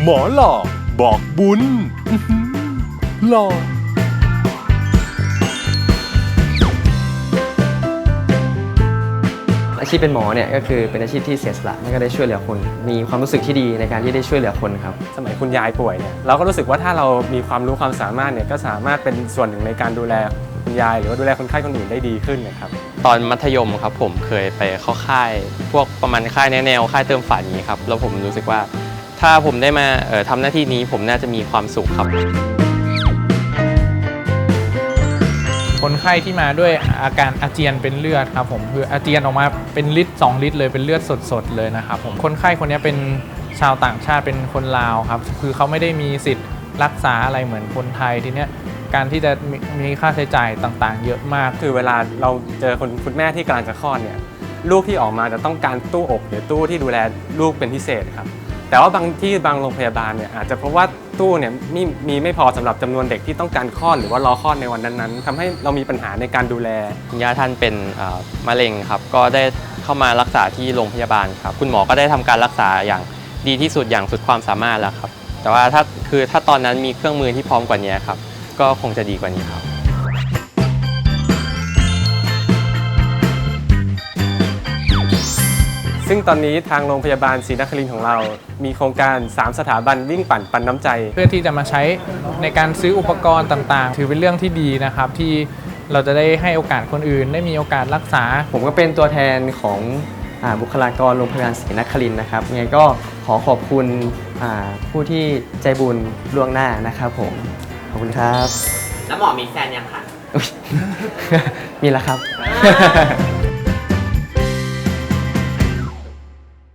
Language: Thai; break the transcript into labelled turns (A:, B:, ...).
A: หมอหล่อบอกบุญหล่อ
B: อาชีพเป็นหมอเนี่ยก็คือเป็นอาชีพที่เสียสละและก็ได้ช่วยเหลือคนมีความรู้สึกที่ดีในการที่ได้ช่วยเหลือคนครับ
C: สมัยคุณยายป่วยเนี่ยเราก็รู้สึกว่าถ้าเรามีความรู้ความสามารถเนี่ยก็สามารถเป็นส่วนหนึ่งในการดูแลคุณยายหรือว่าดูแลคนไข้คนอื่นได้ดีขึ้นนะครับ
D: ตอนมัธยมครับผมเคยไปเข้าค่ายพวกประมาณค่ายแนวค่ายเติมฝันนี้ครับแล้วผมรู้สึกว่าถ้าผมได้มาทำหน้าที่นี้ผมน่าจะมีความสุขครับ
E: คนไข้ที่มาด้วยอาการอาเจียนเป็นเลือดครับผมคืออาเจียนออกมาเป็นลิตร2 ลิตรเลยเป็นเลือดสดๆเลยนะครับผมคนไข้คนนี้เป็นชาวต่างชาติเป็นคนลาวครับคือเขาไม่ได้มีสิทธิ์รักษาอะไรเหมือนคนไทยทีเนี้ยการที่จะมีค่าใช้จ่ายต่างๆเยอะมาก
C: คือเวลาเราเจอคุณแม่ที่กำลังจะคลอดเนี่ยลูกที่ออกมาจะต้องการตู้อบหรือตู้ที่ดูแลลูกเป็นพิเศษครับแต่ว่าบางโรงพยาบาลเนี่ยอาจจะเพราะว่าตู้เนี่ยมีไม่พอสำหรับจำนวนเด็กที่ต้องการคลอดหรือว่ารอคลอดในวันนั้นๆทำให้เรามีปัญหาในการดูแล
D: คุณย่าท่านเป็นมะเร็งครับก็ได้เข้ามารักษาที่โรงพยาบาลครับคุณหมอก็ได้ทำการรักษาอย่างดีที่สุดอย่างสุดความสามารถแล้วครับแต่ว่าถ้าตอนนั้นมีเครื่องมือที่พร้อมกว่านี้ครับก็คงจะดีกว่านี้ครับ
C: ซึ่งตอนนี้ทางโรงพยาบาลศรีนครินทร์ของเรามีโครงการ3สถาบันวิ่งปั่นปันน้ำใจ
E: เพื่อที่จะมาใช้ในการซื้ออุปกรณ์ต่างๆถือเป็นเรื่องที่ดีนะครับที่เราจะได้ให้โอกาสคนอื่นได้มีโอกาสรักษา
B: ผมก็เป็นตัวแทนของบุคลากรโรงพยาบาลศรีนครินทร์นะครับยังไงก็ขอขอบคุณผู้ที่ใจบุญล่วงหน้านะครับผมขอบคุณครับ
F: แล้วหมอมีแฟนยังคะ
B: มีแล้วครับ